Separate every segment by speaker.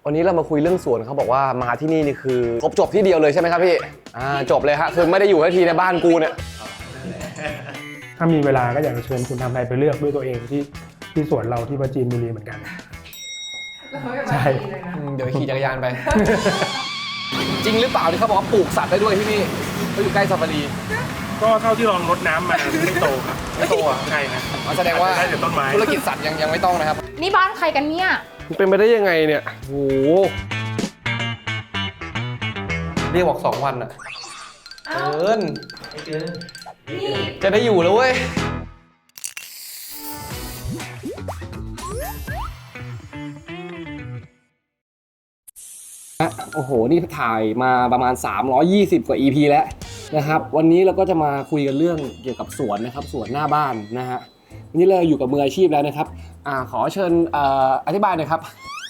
Speaker 1: วันนี้เรามาคุยเรื่องสวนเขาบอกว่ามาที่นี่นี่คือครบจบที่เดียวเลยใช่ไหมครับพี่จบเลยฮะคือไม่ได้อยู่แค่ทีในบ้านกูเนี่ย
Speaker 2: ถ้ามีเวลาก็อยากจะเชิญคุณทำไทยไปเลือกด้วยตัวเองที่สวนเราที่ปราจีนบุรีเหมือนกันใช่
Speaker 1: เดี๋ยวขี่จักรยานไป จริงหรือเปล่าที่เขาบอกว่าปลูกสัตว์ได้ด้วยที่นี่เขาอยู่ใกล้ซาฟารี
Speaker 2: ก็เท่าที่ลองรดน้ำมาไม่โตครับไม่โตอ่ะใช่ครับ
Speaker 1: แสดงว่า
Speaker 2: ได้แต่ต้นไม้
Speaker 1: ธุรกิจสัตว์ยังไม่ต้องนะครับ
Speaker 3: นี่บ้านใครกันเนี่ย
Speaker 1: มันเป็นไปได้ยังไงเนี่ยโอ้โหเรียกบอก2 วันอะเกินจะได้อยู่แล้วเว้ยโอ้โหนี่ถ่ายมาประมาณ320กว่า EP แล้วนะครับวันนี้เราก็จะมาคุยกันเรื่องเกี่ยวกับสวนนะครับสวนหน้าบ้านนะฮะวันนี้เราอยู่กับมืออาชีพแล้วนะครับขอเชิญอธิบายหน่อยครับ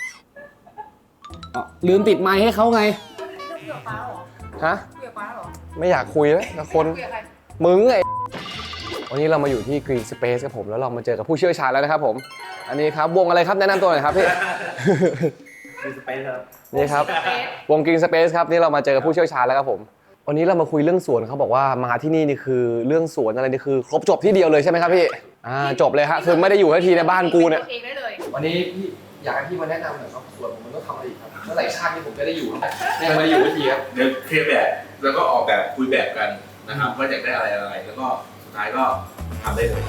Speaker 1: ลืมติดไมค์ให้เขาไง
Speaker 3: คุยกับป้าหรอ
Speaker 1: ฮะ
Speaker 3: คุยกับป้าหรอ
Speaker 1: ไม่อยากคุยเลยกับคนมึงไงวันนี้เรามาอยู่ที่ Green Space ครับผมแล้วเรามาเจอกับผู้เชี่ยวชาญแล้วนะครับผมอันนี้ครับวงอะไรครับแนะนำตัวหน่อยครับพี่
Speaker 4: Green Space ครับ
Speaker 1: นี่ครับวง Green Space ครับนี่เรามาเจอกับผู้เชี่ยวชาญแล้วครับผมวันนี้เรามาคุยเรื่องสวนเขาบอกว่ามาที่นี่นี่คือเรื่องสวนอะไรนี่คือครบจบที่เดียวเลยใช่ไหมครับพี่จบเลยฮะคือไม่ได้อยู่แค่ทีในบ้านกูเนี่ยวันนี้พี่อยากให้พี่มาแนะนำหน่อยครับสวนผมมันต้องทำอะไรอีกครับเมื่อไหร่ชาตินี้ผมจะได้อยู่ยังไม่ได้อยู่ทีครับ
Speaker 4: เดี๋ยวเคลียร์แบบแล้วก็ออกแบบคุยแบบกันนะครับว่าอยากได้อะไรแล้วก็สุดท้ายก็ทำได้เลย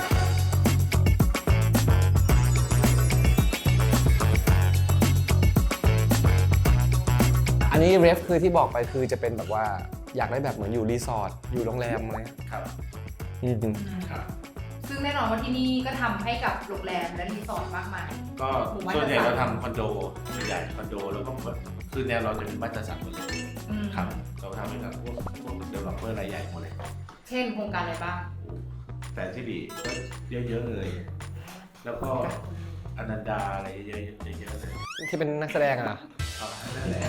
Speaker 1: อันนี้เรฟคือที่บอกไปคือจะเป็นแบบว่าอยากได้แบบเหมือนอยู่รีสอร์ทอยู่โรงแรมอะไร
Speaker 4: ครับ
Speaker 3: ครับซึ่งแน่นอนว่าที่นี่ก็ทำให้กับโรงแรมและรีสอร์ทมากมาย
Speaker 4: ก็ส่วนใหญ่เราทำคอนโดส่วนใหญ่คอนโดแล้วก็หมดคือแนวเราจะเป็นบ้านจัดสรรหมดเลยครับเราทำให้กับพวกเดเวลลอปเปอร์รายใหญ่หมดเลย
Speaker 3: เช่นโครงการอะไรบ้าง
Speaker 4: แฟนที่ดีก็เยอะๆเลยแล้วก็อนันดาอะไรเยอะๆเลย
Speaker 1: ที่เป็นนักแสดงอ่ะ
Speaker 4: นั่นแหละ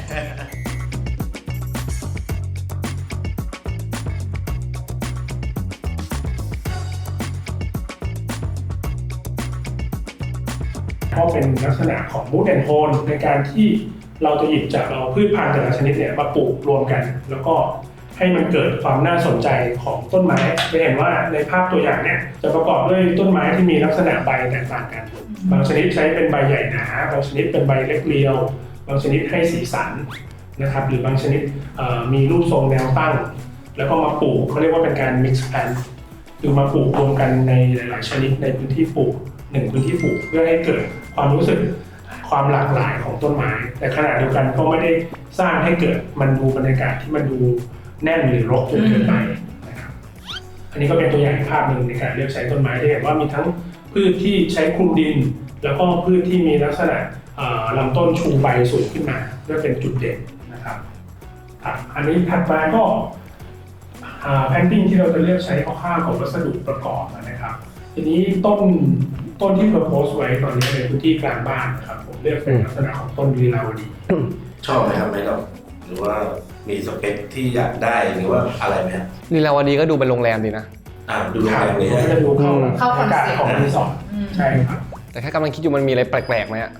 Speaker 2: ก็เป็นลักษณะของมูดแอนด์โทนในการที่เราจะหยิบจากเอาพืชพันธุ์แต่ละชนิดเนี่ยมาปลูกรวมกันแล้วก็ให้มันเกิดความน่าสนใจของต้นไม้จะเห็นว่าในภาพตัวอย่างเนี่ยจะประกอบด้วยต้นไม้ที่มีลักษณะใบแตกต่างกันบางชนิดใช้เป็นใบใหญ่หนาบางชนิดเป็นใบเล็กเรียวบางชนิดให้สีสันนะครับหรือบางชนิดมีรูปทรงแนวตั้งแล้วก็มาปลูกเขาเรียกว่าเป็นการ mix plant คือมาปลูกรวมกันในหลายๆชนิดในพื้นที่ปลูก1พื้นที่ปลูกเพื่อให้เกิดความรู้สึกความหลากหลายของต้นไม้แต่ขณะเดียวกันก็ไม่ได้สร้างให้เกิดมันดูบรรยากาศที่มันดูแน่นหรือรกจนเกินไปนะครับอันนี้ก็เป็นตัวอย่างภาพหนึ่งในการเลือกใช้ต้นไม้ที่เห็นว่ามีทั้งพืชที่ใช้คลุมดินแล้วก็พืชที่มีลักษณะลำต้นชูใบสูงขึ้นมาเพื่อเป็นจุดเด่นนะครับอันนี้ถัดมาก็แพนติ้งที่เราจะเลือกใช้ข้าวของวัสดุประกอบนะครับทีนี้ต้นที่เราโพสต์ไว้ตอนนี้ในพื้นที่กลางบ้านนะครับผมเลือกเป็นลักษณะของต้นลีลาวดี
Speaker 4: ชอบไหมครับไหมครับหรือว่ามีสเปคที่อยากได้หรือว่าอะไรไหมครับ
Speaker 1: ลีลาวดีก็ดูเป็นโรงแรมดีนะ
Speaker 4: ดูโรงแรมเลย
Speaker 2: จะดูเข้าคอนเซ็ปต์ของรีสอร์ทใช่ครับ
Speaker 1: แต่แค่กำลังคิดอยู่มันมีอะไรแปลกๆไหมอ่ะ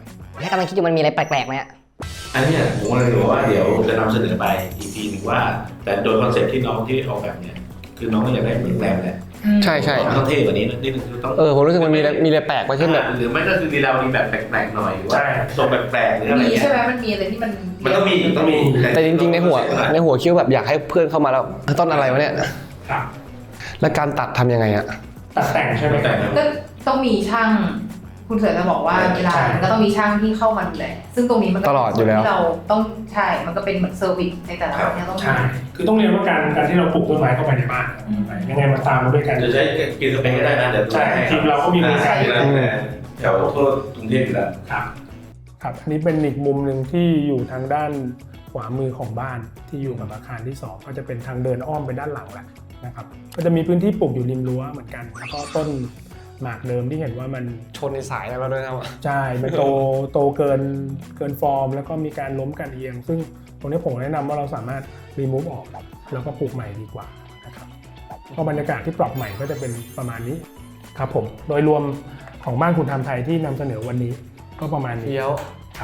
Speaker 4: อันนี้ผมกำลังรู้ว่าเดี๋ยวจะนำเสนอไป EP หนึ่งว่าแต่โดยคอนเซ็ปต์ที่น้องที่ออกแบบเนี่ยคือน้องก็อยากได้เหมือนโรงแรมแหละ
Speaker 1: ใช่
Speaker 4: ต้องเท่กว่านี้นิดนึงคือต้อง
Speaker 1: ผมรู้สึกมันมีอะไรแปลกไปเช่นแบบ
Speaker 4: หรือไม่ก็คือเรามีแบบแปลกๆหน่อยหรือว่าทรงแปลกๆหรืออะไร
Speaker 3: มีใช่ไหมมันมีอะไรที่มัน
Speaker 4: ต้องมี
Speaker 1: แต่จริงๆในหัวคิดแบบอยากให้เพื่อนเข้ามาแล้วต้นอะไรวะเนี่ยแล้วการตัดทำยังไงอะ
Speaker 2: ตัดแต่งใช่ไหม
Speaker 3: ก็ต้องมีช่างคุณเสือจะบอกว่าเวลาก็ต้องมีช่างที่เข้ามาดูแลซึ่งตรงนี้มันก็
Speaker 1: ตลอดอยู่แล้ว
Speaker 3: ที่เราต้องใช่มันก็เป็นเหมือนเซอร์วิสในแต่ละวันที่ต้อง
Speaker 2: ใช่คือต้องเรียนว่าการที่เราปลูกต้นไม้เข้าไปในบ้านยังไงมันตามมาด้วยกัน
Speaker 4: จะใช้กินสเปนก็ได้นะเดี๋ยว
Speaker 2: ใช่ทีมเราก็มีบริการ
Speaker 4: แถวทั่วกรุงเทพอยู่แล้ว
Speaker 2: ครับอันนี้เป็นอีกมุมหนึ่งที่อยู่ทางด้านขวามือของบ้านที่อยู่กับอาคารที่2ก็จะเป็นทางเดินอ้อมไปด้านหลังแหละนะครับก็จะมีพื้นที่ปลูกอยู่ริมรั้วเหมือนกันแล้วก็ต้นหมากเดิมที่เห็นว่ามัน
Speaker 1: ชนในสายแล้วด้วยครับ
Speaker 2: ใช่มันโตเกินฟอร์มแล้วก็มีการล้มกันเอียงซึ่งตรงนี้ผมแนะนำว่าเราสามารถรีมูฟออกแล้วก็ปลูกใหม่ดีกว่านะครับก็บรรยากาศที่ปรับใหม่ก็จะเป็นประมาณนี้ครับผมโดยรวมของบ้านคุณทำไทยที่นำเสนอวันนี้ก็ประมาณนี้
Speaker 1: เดียว
Speaker 2: ครับ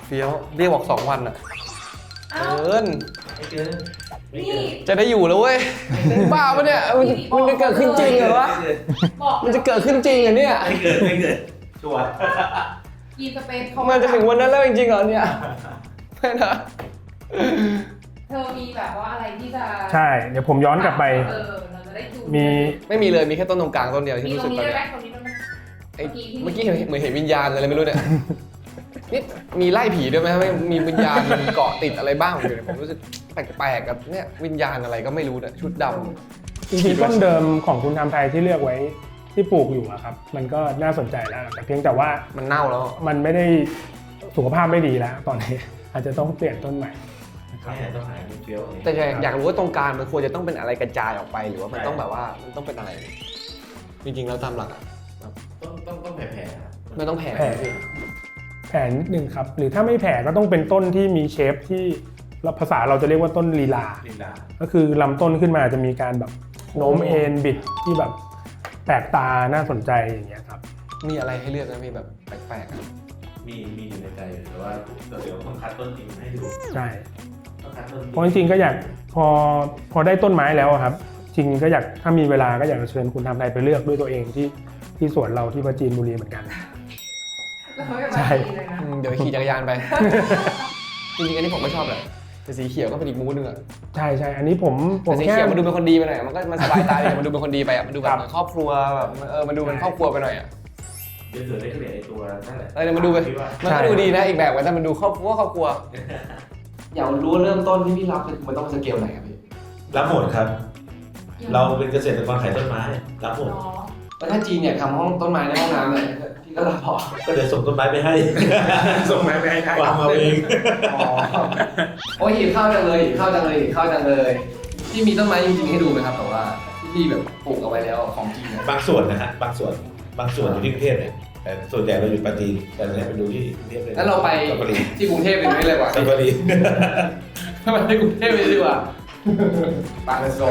Speaker 1: เฟี้ยวเรียกบอก2 วันอ่ะ
Speaker 3: เอ้า
Speaker 1: เกิน
Speaker 4: ไม่เกินไม่
Speaker 3: นี่
Speaker 4: เกิน
Speaker 1: จะได้อยู่แล้วเว้ยบ้าปะเนี่ยมันจะเกิดขึ้นจริงเหรอวะ
Speaker 3: บอก
Speaker 1: มันจะเกิดขึ้นจริงเหรอเนี่ย
Speaker 4: ไม่เกินไม่เกินชัวร์
Speaker 3: ยีนสเปซเขา
Speaker 1: มันจะถึงวันนั้นแล้วจริงๆเหรอเนี่ยไม่นะ
Speaker 3: เธอมีแบบว่าอะไรที่จะ
Speaker 2: ใช่ เดี๋ยวผมย้อนกลับไป
Speaker 3: เราจะได้ดู
Speaker 2: มี
Speaker 1: ไม่มีเลยมีแค่ต้นตรงกลางต้นเดียว
Speaker 3: มี
Speaker 1: ที่
Speaker 3: ต
Speaker 1: รู้
Speaker 3: ร
Speaker 1: สึ
Speaker 3: ง
Speaker 1: ก
Speaker 3: นี้
Speaker 1: ตอน
Speaker 3: ด้วย
Speaker 1: เนี้
Speaker 3: ไหม
Speaker 1: ย
Speaker 3: ตรงนี้ด้วยไหม
Speaker 1: ไอ้เมื่อกี้เห็นเหมือนเห็นวิญญาณอะไรไม่รู้เนี่ยนี่มีไล่ผีด้วยไหมไม่มีวิญญาณเกาะติดอะไรบ้างอยู่เนี่ยผมรู้สึกแปลกๆกับเนี่ยวิญญาณอะไรก็ไม่รู้เนี่ยชุดดำ
Speaker 2: จริงๆต้นเดิมของคุณทำไทยที่เลือกไว้ที่ปลูกอยู่อะครับ มันก็น่าสนใจแล้วแต่เพียงแต่ว่า
Speaker 1: มันเน่าแล้ว
Speaker 2: มันไม่ได้สุขภาพไม่ดีแล้ว ตอนนี้ อาจจะต้องเปลี่ยนต้นใหม่นะครับ
Speaker 4: ไม่ต้องหายเฟี้ยว
Speaker 1: แต่อยากรู้ว่าตรงกลางมันควรจะต้องเป็นอะไรกระจายออกไปหรือว่ามันต้องแบบว่ามันต้องเป็นอะไร จริงๆแล้วตามหลักอะ
Speaker 4: ต้องแผ่ๆครับ
Speaker 1: ไม่ต้องแผ่
Speaker 2: แผ่แผ่นิดนึงครับ หรือถ้าไม่แผ่ก็ต้องเป็นต้นที่มีเชฟที่ภาษาเราจะเรียกว่าต้นลีลา
Speaker 4: ลินดา
Speaker 2: ก็คือลำต้นขึ้นมาจะมีการแบบโน้มเอ็นบิดที่แบบแปลกตาน่าสนใจอย่างเงี้ยครับ
Speaker 1: มีอะไรให้เลือกนะมีแบบแปลกๆอะ
Speaker 4: มีอยู่ในใจแต่ว่าเดี๋ยวต้องคัดต้นจริงให้ดู
Speaker 2: ใช่
Speaker 4: ต้องคัดต้นจริง
Speaker 2: เพราะจริงๆก็อยากพอได้ต้นไม้แล้วอะครับ จริงก็อยากถ้ามีเวลาก็อยากจะเชิญคุณทำไทยไปเลือกด้วยตัวเองที่สวนเราที่ปราจีนบุรีเหมือนกัน ใช่
Speaker 1: เดี๋ยวขี่จักรยานไป จริงๆอันนี้ผมก็ชอบแหละแต่สีเขียวก็เป็นอีกมูดนึงอะ
Speaker 2: ใช่ใช่อันนี้ผม
Speaker 1: แต่สี
Speaker 2: แค่
Speaker 1: เขียวมันดูเป็นคนดีไปหน่อยมันก็มันสบายตาดีมันดูเป็นคนดีไปอะมันดูแบบเหมือนครอบครัวแบบมันดูเป็นครอบครัวไปหน่อยอะ
Speaker 4: เดี๋ยวได้เกลี่ยไอตัวนั่นแหละ
Speaker 1: เออมันดูไปมันก็ดูดีนะอีกแบบแต่มันดูครอบครัวอยากรู้เริ่มต้นที่พี่รับมันต้องสเกลไหนครับพี่
Speaker 4: รับหมดครับ เราเป็นเกษตรกรขายต้นไม้รับหมด
Speaker 1: แล้วถ้าจีนเนี่ยทำห้องต้นไม้ในห้องน้ำเนี่ยพี่ก็รับพอ
Speaker 4: ก็เดี๋ยวส่งต้นไม้ไปให้
Speaker 2: ส่งไม้ไปให้ได้
Speaker 4: วางเอาเอง
Speaker 1: อ๋อโอ้ยหิวข้าวจังเลยหิวข้าวจังเลยหิวข้าวจังเลยพี่มีต้นไม้จริงๆให้ดูไหมครับแต่ว่าที่พี่แบบปลูกเอาไว้แล้วของจริงเนี่ย
Speaker 4: บางส่วนนะฮะบางส่วนอยู่ที่กรุงเทพเนี่ยแต่ส่วนใหญ่เราอยู่ปราจีนแต่เนี่ยไปดูที่กรุงเทพเลย
Speaker 1: งั้นเราไป
Speaker 4: สัปปะรี
Speaker 1: ที่กรุงเทพเป็นไม่เลยว่ะ
Speaker 4: สัปปะรี
Speaker 1: ถ้ามันไปกรุงเทพไปดีกว่าปากเป็นโซ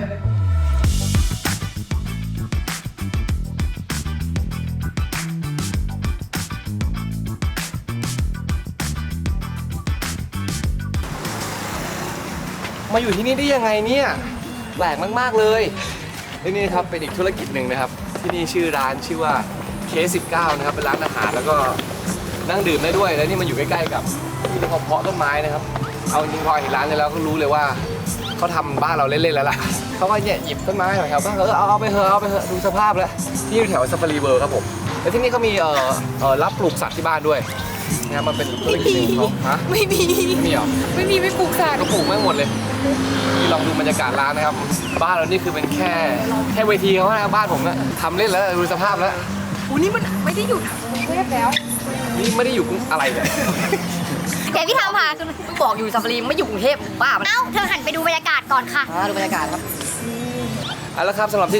Speaker 1: มาอยู่ที่นี่ได้ยังไงเนี่ยแปลกมากๆเลยที่นี่ครับเป็นอีกธุรกิจหนึ่งนะครับ ที่นี่ชื่อร้านชื่อว่า K19 นะครับเป็นร้านอาหารแล้วก็นั่งดื่มได้ด้วยแล้วนี่มันอยู่ใกล้ๆกับที่เขาเพาะต้นไม้นะครับเอาจริงๆพอเห็นร้านนี้แล้วก็รู้เลยว่าเขาทำบ้านเราเล่นๆแล้วล่ะเขาก็เนี่ยหยิบต้นไม้ของแถวบ้านเอาไปเถอะดูสภาพแล้วที่อยู่แถวซาฟารีเวิร์ครับผมแล้วที่นี่เขามีรับปลูกสัตว์ที่บ้านด้วยนะครับมันเป็นธุรกิจหนึ่งของเขาฮะ
Speaker 3: ไม่มี
Speaker 1: ไม่มีเหรอ
Speaker 3: ไม่มีปลูกสัตว์
Speaker 1: ก็ปลูกไม่หมดเลยนี่ลองดูบรรยากาศร้านนะครับ บ้านเรานี่คือเป็นแค่เวทีเขานะบ้านผมนะทำเล่นแล้วดูสภาพแล้ว
Speaker 3: อู้นี่มันไม่ได้อยู่กรุงเทพแล้ว
Speaker 1: นี่ไม่ได้อยู่กรุงอะไรเลย
Speaker 5: เดี๋ยวพี่ทำพาคือบอกอยู่ซาฟารีไม่อยู่กรุงเทพบ้ามันเอ้าเธอหันไปดูบรรยากาศก่อนค่ะดูบรรยากาศครับ
Speaker 1: เอาละครับสำหรับที่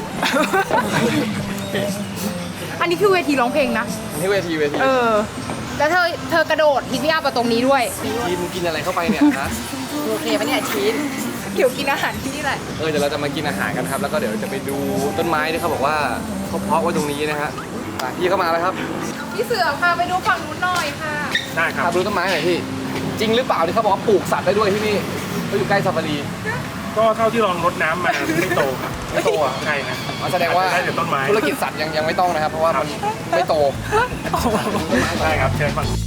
Speaker 3: อันนี้คือเวทีร้องเพลงนะ
Speaker 1: ที่เวที
Speaker 3: แล้วเธอกระโดดฮิตพี่อาปตรงนี้ด้วย
Speaker 1: กินอะไรเข้าไปเนี่ยนะ
Speaker 5: โอเคปะเนี่ยชีส
Speaker 3: เดี๋ยวกินอาหารที่นี่แหละ
Speaker 1: เดี๋ยวเราจะมากินอาหารกันครับแล้วก็เดี๋ยวจะไปดูต้นไม้ที่เขาบอกว่าเขาเพาะไว้ตรงนี้นะฮะพี่เข้ามาแล้วครับ
Speaker 3: พี่เสือพาไปดูฝั่งนู้นหน่อยค่ะ
Speaker 2: ได้ค
Speaker 1: พา
Speaker 2: รับ
Speaker 1: ไปดูต้นไม้หน่อยพี่จริงหรือเปล่าที่เขาบอกว่าปลูกสัตว์ได้ด้วยที่นี่เขาอยู่ใกล้ซาฟารี
Speaker 2: ก็เท่าที่ลองรดน้ำมาไม่โตครับ
Speaker 1: ไม่โตอ่ะ
Speaker 2: ใช่ครับ
Speaker 1: แสดงว่า
Speaker 2: ได้แต่ต้นไม้
Speaker 1: ธุรกิจสัตว์ยังไม่ต้องนะครับ เพราะว่ามันไม่โต
Speaker 2: ใช่ครับเชิญฟัง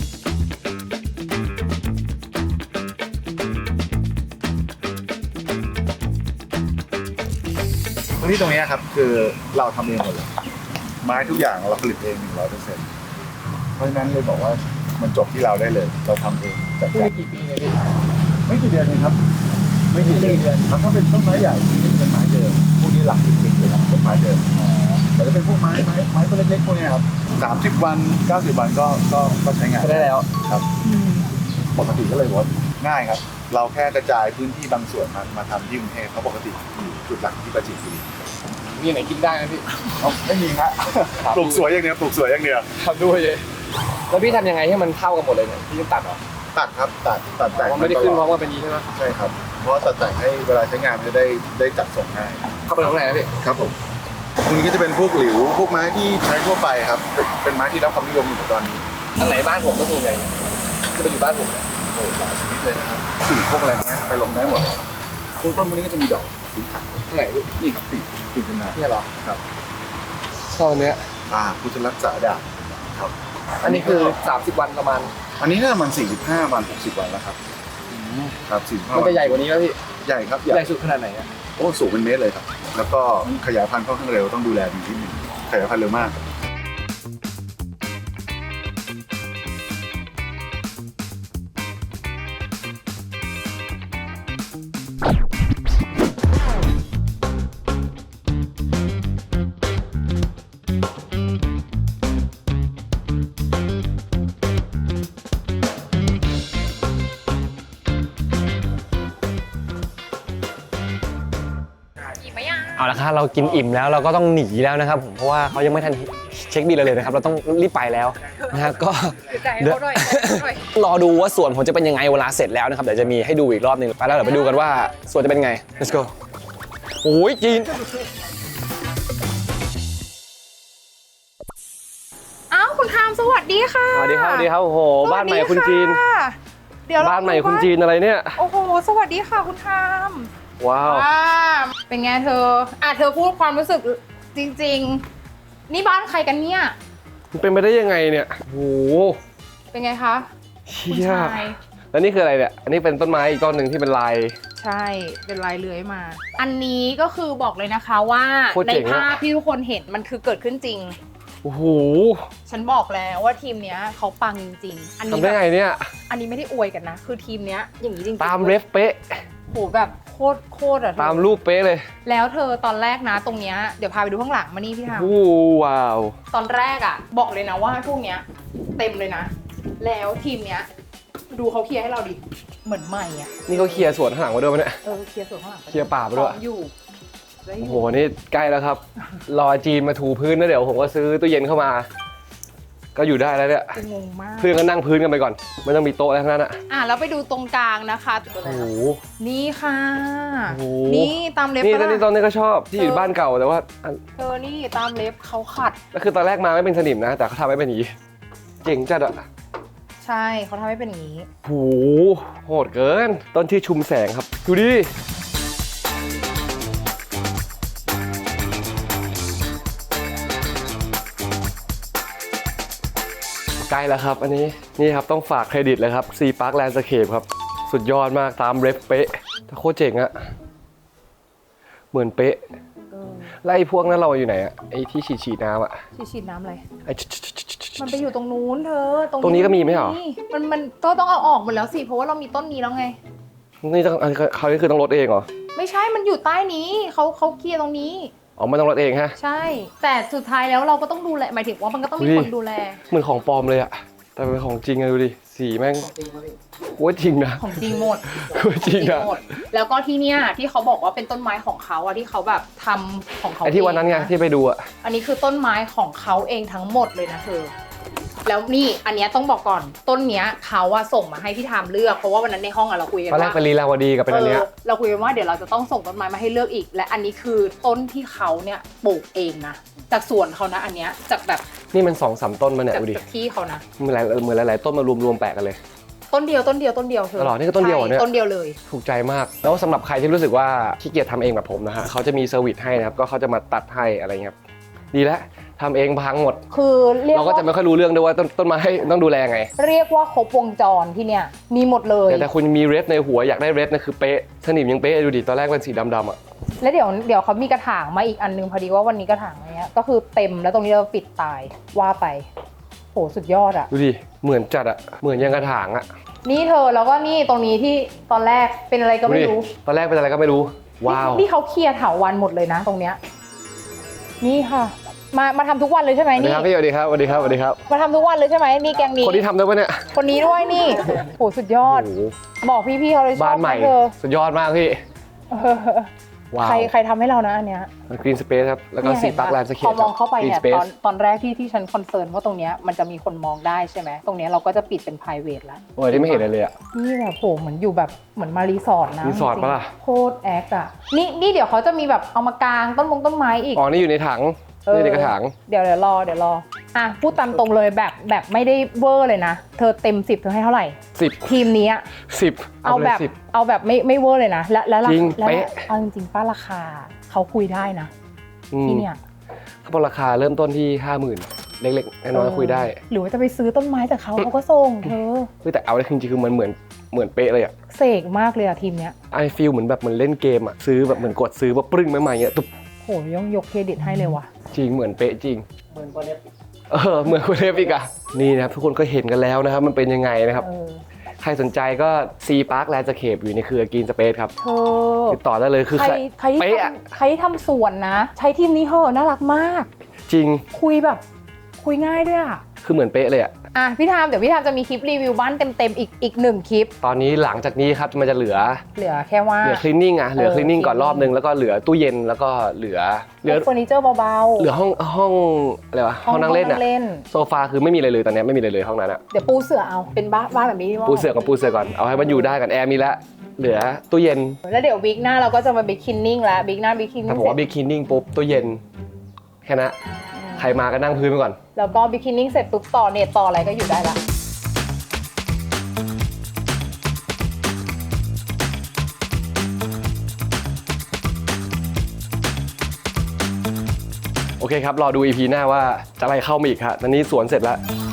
Speaker 6: พื้นที่ตรงนี้ครับคือเราทำเองหมดเลยไม้ทุกอย่างเราผลิตเอง 100%เพราะฉะนั้นเลยบอกว่ามันจบที่เราได้เลย เราทำเองจัด
Speaker 1: พูด
Speaker 6: การ
Speaker 1: กี่ปีเนี่ยพี่
Speaker 6: ไม่กี่เดือนเองครับ ไม่กี่เดือนครับถ้าเป็นต้นไม้ใหญ่ที่เป็นไม้เดิมพวกนี้หลัก10 ปีเลยครับต้นไม้เดิมแต่ถ้าเป็นพวกไม้ต้นเล็กๆพวกนี้ครับ30 วัน 90 วันก็ใช้งาน
Speaker 1: ได้แล้ว
Speaker 6: ครับปกติก็เลยว่าง่ายครับ เราแค่กระจายพื้นที่บางส่วนมาทำที่กรุงเทพเพราะปกติอยู่จุดหลักที่ปราจีนบุรี
Speaker 1: มีไหนกินได้ไหมพี่
Speaker 6: ไม่มีฮะปลูกสวยอย่างเดียวปลูกสวยอย่างเดียว
Speaker 1: ทำด้วยเลยแล้วพี่ทำยังไงให้มันเท่ากันหมดเลยเนี่ยพี่ต้องตัดเหรอ
Speaker 6: ตัดครับตัดแต่ง
Speaker 1: มันไม่ได้ขึ้นพร้อมกันเป็นนี้ใช่ไหม
Speaker 6: ใช่ครับ เพราะตัดแต่งให้เวลาใช้งานมันจะได้จัดส่งง่าย
Speaker 1: เข้าไปตรงไหนนะพี่
Speaker 6: ครับผมตรงนี้ก็จะเป็นพวกหลิวพวกไม้ที่ใช้ทั่วไปครับเป็นไม้ที่รับความนิยมอยู่ตอนนี้
Speaker 1: ทางไหนบ้านผมก็ส่วนใหญ่
Speaker 6: จะไปอยู่บ้านผมเนี่ยโอ้หลายชนิดเลยนะครับปีกพวกอะไรเงี้ยไปลงได้หมดพวกต้นพวกนี้ก็จะมีดอกสีขาว
Speaker 1: ไหน
Speaker 6: นี่ครับปีกเป็นนา
Speaker 1: เนี่ยเหรอ
Speaker 6: ครับ
Speaker 1: ช่อเนี้ย
Speaker 6: พุทธรักษาดาบครับ
Speaker 1: อันนี้คือ 30 วันประมาณ
Speaker 6: อันนี้น่าจะมัน45 วัน 60 วันแล้วครับครับ45
Speaker 1: มัน
Speaker 6: วั
Speaker 1: จะใหญ่กว่านี้แล้วพี่
Speaker 6: ใหญ่ครับ
Speaker 1: ใหญ่สุดขนาดไหนอะ
Speaker 6: โอ้สูงเป็นเมตรเลยครับ แล้วก็ขยายพันธุ์ค่อนข้างเร็วต้องดูแลดีนิดนึงขยายพันธุ์เร็วมาก
Speaker 1: เอาละครับเรากินอิ่มแล้วเราก็ต้องหนีแล้วนะครับผมเพราะว่าเขายังไม่ทันเช็คบิลเราเลยนะครับเราต้องรีบไปแล้วนะฮะก็เดี๋ยวรอดูว่าสวนผมจะเป็นยังไงเวลาเสร็จแล้วนะครับเดี๋ยวจะมีให้ดูอีกรอบหนึงไปแล้วเดี๋ยวไปดูกันว่าสวนจะเป็นไง let's go โอ้ยจีน
Speaker 3: อ้าวคุณทามสวัสดีค่ะ
Speaker 1: สวัสดีครับสวัสดีครับโอ้โหบ้านใหม่คุณจีน
Speaker 3: เดี๋ยว
Speaker 1: บ้านใหม่คุณจีนอะไรเนี่ย
Speaker 3: โอ้โหสวัสดีค่ะคุณทาม
Speaker 1: ว้าว
Speaker 3: เป็นไงเธอเธอพูดความรู้สึกจริงๆนี่บ้านใครกันเนี่ย
Speaker 1: มันเป็นไปได้ยังไงเนี่ยโอ้โห
Speaker 3: เป็นไงคะ
Speaker 1: เชี่
Speaker 3: คุณ
Speaker 1: ย
Speaker 3: ชาย
Speaker 1: แล้วนี่คืออะไรเนี่ยอันนี้เป็นต้นไม้อีกต้นหนึ่งที่เป็นลาย
Speaker 3: ใช่เป็นลายเลื้อยมา อันนี้ก็คือบอกเลยนะคะว่า
Speaker 1: โคตร
Speaker 3: ใน
Speaker 1: เจ๋งอะ
Speaker 3: ภาพที่ทุกคนเห็นมันคือเกิดขึ้นจริง
Speaker 1: โอ้โห
Speaker 3: ฉันบอกแล้วว่าทีมเนี้ยเขาปังจริงๆอันนี้
Speaker 1: ทำได้ไงเนี่ย
Speaker 3: อันนี้ไม่ได้อวยกันนะ คือทีมเนี้ยอย่างนี้จริงๆ
Speaker 1: ตามเรฟเป๊ะ
Speaker 3: โหแบบโคตรอะเธอ
Speaker 1: ตามรูปเป๊ะเลย
Speaker 3: แล้วเธอตอนแรกนะตรงเนี้ยเดี๋ยวพาไปดูข้างหลังมานี่พี่ทาม
Speaker 1: โอ้ว้าว
Speaker 3: ตอนแรกอะบอกเลยนะว่าพวกเนี้ยเต็มเลยนะ แล้วทีมเนี้ยดูเขาเคลียร์ให้เราดิเหมือนใหม่อะ
Speaker 1: นี่เขาเคลียร์สวนข้างหลังมาด้วยปะเนี่ย
Speaker 3: เคลียร์ส่วนข้างหลัง
Speaker 1: เคลียร์ป่าไปด้วย
Speaker 3: ของอยู่ได้อ
Speaker 1: โอ้
Speaker 3: ยู่
Speaker 1: โห นี่ใกล้แล้วครับ รอจีนมาถูพื้นแล้วเดี๋ยวผมก็ซื้อตู้เย็นเข้ามา ก็อยู่ได้แล้วเนี่ย
Speaker 3: คืองงมาก
Speaker 1: เพื่อนก็นั่งพื้นกันไปก่อน ไม่ต้องมีโต๊ะแล้วทั้งนั้นอ่ะ
Speaker 3: แล้วไปดูตรงกลางนะคะ
Speaker 1: โอ้โห
Speaker 3: นี่ค่ะ
Speaker 1: โอ้โห
Speaker 3: นี่ตามเล็บ
Speaker 1: นี่
Speaker 3: ปะ
Speaker 1: นี่
Speaker 3: ล่ะ
Speaker 1: ตอนนี้ก็ชอบที่อยู่บ้านเก่าแต่ว่าอัน
Speaker 3: เธอนี่ตามเล็บเขาขัด
Speaker 1: ก็คือตอนแรกมาไม่เป็นสนิมนะ แต่เขาทำให้เป็นอย่างนี้เจ๋งจัดอ่ะ
Speaker 3: ใช่เขาทำให้เป็นอย่างนี้
Speaker 1: โอ้โหโหดเกิน ต้นที่ชุมแสงครับ ดูดิ ใกล้แล้วครับ อันนี้นี่ครับต้องฝากเครดิตเลยครับ C Park Landscape ครับ สุดยอดมากตามเรฟเป๊ะแต่โคตรเจ๋งอะเหมือนเป๊ะแล้วไอ้พวกนั้นเราอยู่ไหนอะไอ้ที่ฉีดน้ำอะ
Speaker 3: ฉีดน้ำอะไร
Speaker 1: ไอ้
Speaker 3: มันไปอยู่ตรงนู้นเธอ
Speaker 1: ตรงนี้ก็มีไหมเหรอ
Speaker 3: มันต้องเอาออกหมดแล้วสิเพราะว่าเรามีต้นนี้แล้วไง
Speaker 1: นี่ต้องเขานี่คือต้องลดเองเหรอ
Speaker 3: ไม่ใช่มันอยู่ใต้นี้เขาเคลียร์ตรงนี้
Speaker 1: อ๋อไม่ต้องลดเองฮะ
Speaker 3: ใช่ แต่สุดท้ายแล้วเราก็ต้องดูแลหมายถึงว่ามันก็ต้องมี
Speaker 1: อุ๊ย
Speaker 3: คนดูแล
Speaker 1: เหมือนของปลอมเลยอะแต่เป็นของจริงอะดูดิสีแม่งโคตรจริงนะ
Speaker 3: ของจริงหมด
Speaker 1: โคตรจริงอะ
Speaker 3: หมดแล้วก็ที่เนี้ยที่เขาบอกว่าเป็นต้นไม้ของเขาอะที่เขาแบบทำของเขา
Speaker 1: ไอ้ที่วันนั้นไง
Speaker 3: เอะ
Speaker 1: ที่ไปดูอะ
Speaker 3: อันนี้คือต้นไม้ของเขาเองทั้งหมดเลยนะเธอ แล้วนี่อันเนี้ยต้องบอกก่อนต้นเนี้ยเขาอะส่งมาให้พี่ทามเลือกเพราะว่าวันนั้นในห้องอะเราคุยกัน
Speaker 1: ตอนแรก
Speaker 3: ว่า
Speaker 1: เป็นลีลาวดีกับเป็นอันเนี้ย
Speaker 3: เราคุยกันว่าเดี๋ยวเราจะต้องส่งต้นไม้มาให้เลือกอีก และอันนี้คือต้นที่เขาเนี่ยปลูกเองนะจากสวนเขานะอันเนี้ยจากแบบ
Speaker 1: นี่มัน2-3 ต้นมาเนี่ย
Speaker 3: จาก
Speaker 1: ดูดิ
Speaker 3: ที่เขานะ
Speaker 1: เหมือนหลายๆต้นมารวมๆแปะกันเลย
Speaker 3: ต้นเดียวเธอ
Speaker 1: ตลอดนี่ก็ต้นเดียวเหรอเนี่ย
Speaker 3: ใช่ต้นเดียวเลย
Speaker 1: ถูกใจมาก แล้วสำหรับใครที่รู้สึกว่าขี้เกียจทำเองแบบผมนะฮะเขาจะมีเซอร์วิสให้นะครับก็เขาจะมาตัดให้อะไรเงี้ยครับดีแล้วทำเองพังหมด
Speaker 3: คือเรียก
Speaker 1: เราก็
Speaker 3: ว่า
Speaker 1: จะไม่ค่อยรู้เรื่องด้วยว่าต้นไม้ต้องดูแลไง
Speaker 3: เรียกว่าครบวงจรที่เนี่ยมีหมดเลย
Speaker 1: แต่คุณมีเรดในหัวอยากได้เรดนะคือเป๊ะสนิมยังเป๊ะดูดิตอนแรกเป็นสีดำๆอ่ะ
Speaker 3: แล้วเดี๋ยวเขามีกระถางมาอีกอันนึงพอดีว่าวันนี้กระถางเนี้ยก็คือเต็มแล้วตรงนี้เราปิดตายว่าไปโหสุดยอดอะ
Speaker 1: ดูดิเหมือนจัดอ่ะเหมือนยังกระถางอ่ะ
Speaker 3: นี่เธอแล้วก็นี่ตรงนี้ที่ตอนแรกเป็นอะไรก็ไม่รู้
Speaker 1: ดูดิตอนแรกเป็นอะไรก็ไม่รู้ว้าว
Speaker 3: นี่เขาเคลียร์เถาวันหมดเลยนะตรงเนี้ยนี่ค่ะ มาทำทุกวันเลยใช่ไหม
Speaker 1: สวัสดี
Speaker 3: นี่
Speaker 1: ครับพี่สวัสดีครับสวัสดีครับสวัสดีครับ
Speaker 3: มาทำทุกวันเลยใช่ไหมนี่แกงนี้
Speaker 1: คนที่ทำได้ปะเนี่ย
Speaker 3: คนนี้ด้วยนี่โหสุดยอด
Speaker 1: โอ้โห
Speaker 3: บอกพี่ๆเขาเลยช
Speaker 1: บ้า
Speaker 3: อน บ
Speaker 1: ใหม่
Speaker 3: เธอ
Speaker 1: สุดยอดมากพี่ ว้าว
Speaker 3: ใครทำให้เรานะอันเนี้ย
Speaker 1: กรีนสเปซครับแล้วก็
Speaker 3: เนี่ย
Speaker 1: ซี
Speaker 3: เห็น
Speaker 1: ปาร์ค
Speaker 3: ปะ
Speaker 1: แลนด์สเคป
Speaker 3: พอมองเข้าไปเนี่ย
Speaker 1: Green
Speaker 3: ตอน
Speaker 1: Space
Speaker 3: ตอนแรกที่ฉันคอนเซิร์นว่าตรงเนี้ยมันจะมีคนมองได้ใช่ไหมตรงเนี้ยเราก็จะปิดเป็น private แล้ว
Speaker 1: โอ้ยที่ไม่เห็นอะไรเลยอ่ะ
Speaker 3: นี่แบบโหเหมือนอยู่แบบเหมือนมารีสอร์ทนะ
Speaker 1: รีสอร์ทปะล่ะ
Speaker 3: โคตรแอคอะนี่เดี๋ยวเขาจะมีแบบเอามากางต้นไม้อีก
Speaker 1: อ๋อนี่อยู่ในถังนี่ในกระถาง
Speaker 3: เดี๋ยวรออ่ะพูดตามตรงเลยแบบไม่ได้เวอร์เลยนะเธอเต็ม10เธอให้เท่าไหร่
Speaker 1: 10
Speaker 3: ทีมนี้
Speaker 1: 10
Speaker 3: เอาแบบ
Speaker 1: 10
Speaker 3: เอาแบบไม่เวอร์เลยนะแล้ว
Speaker 1: จริง
Speaker 3: แล้ว
Speaker 1: เป๊ะ
Speaker 3: เอาจริงๆป้าราคาเขาคุยได้นะที่เนี่ย
Speaker 1: เขาบอกราคาเริ่มต้นที่ 50,000 เล็กๆน้อยๆคุยได้
Speaker 3: หรือว่าจะไปซื้อต้นไม้จากเขาก็ส่งเธอ
Speaker 1: เฮ้ยแต่เอาได้จริงๆคือมันเหมือนเป๊ะเลยอะ
Speaker 3: เสกมากเลยอะทีมเนี้ย
Speaker 1: ไอฟีลเหมือนแบบเหมือนเล่นเกมอะซื้อแบบเหมือนกดซื้อว่าปรึ้งใหม่ๆเงี้ยตุ๊บ
Speaker 3: โหย่องยกเครดิตให้เลยว่ะ
Speaker 1: จริงเหมือนเป๊ะจริงเหมือนคนเล็บเหมือนคนเล็บอีกอะนี่นะครับทุกคนก็เห็นกันแล้วนะครับมันเป็นยังไงนะครับ ใครสนใจก็ C Park Landscape อยู่ในเครือ Green Space ครับ
Speaker 3: เธอ
Speaker 1: ติดต่อได้เลยคือ
Speaker 3: ใครที่
Speaker 1: เป๊ะอะ
Speaker 3: ใครที่ทำสวนนะ ใช้ทีมนี้เหอะน่ารักมาก
Speaker 1: จริง
Speaker 3: คุยแบบคุยง่ายด้วยอะ
Speaker 1: คือเหมือนเป๊ะเลยอะ
Speaker 3: อ่ะพี่ทามเดี๋ยวพี่ทามจะมีคลิปรีวิวบ้านเต็มๆอีก1คลิป
Speaker 1: ตอนนี้หลังจากนี้ครับมันจะเหลือ
Speaker 3: เหลือแค่ว่า
Speaker 1: คลีนนิ่งอะเหลือคลีนนิ่งก่อนรอบนึงแล้วก็เหลือตู้เย็นแล้วก็เหลือ
Speaker 3: เฟอร์นิเจอร์เบาๆ
Speaker 1: เหลือห้องอะไรวะห้องนั่งเล่นอะโซฟาคือไม่มีอะไรเลยตอนนี้ไม่มีอะไรเลยห้องนั้นอะ
Speaker 3: เดี๋ยวปูเสือเอาเป็นบ้านแบบนี้
Speaker 1: ปูเสือก่อนเอาให้มันอยู่ได้กันแอร์มีแล้วเหลือตู้เย็น
Speaker 3: แล้วเดี๋ยววิกหน้าเราก็จะมาบิ๊กคินนิ่งแล้วบิ๊กหน้าบิ๊กคิน
Speaker 1: ถ้า
Speaker 3: นิ่ง
Speaker 1: ผมว่าบิ๊กคลีนนิ่งปุ๊บตู้เย็นแค่นั้นใครมาก็นั่งพื้นไปก่อน
Speaker 3: แล้วก็บิ๊กคินนิ่งเสร็จปุ๊บต่อเน็ตต่ออะไรก็อยู่ได้ละ
Speaker 1: โอเคครับรอดู EP หน้าว่าจะอะไรเข้ามาอีกครับตอนนี้สวนเสร็จแล้ว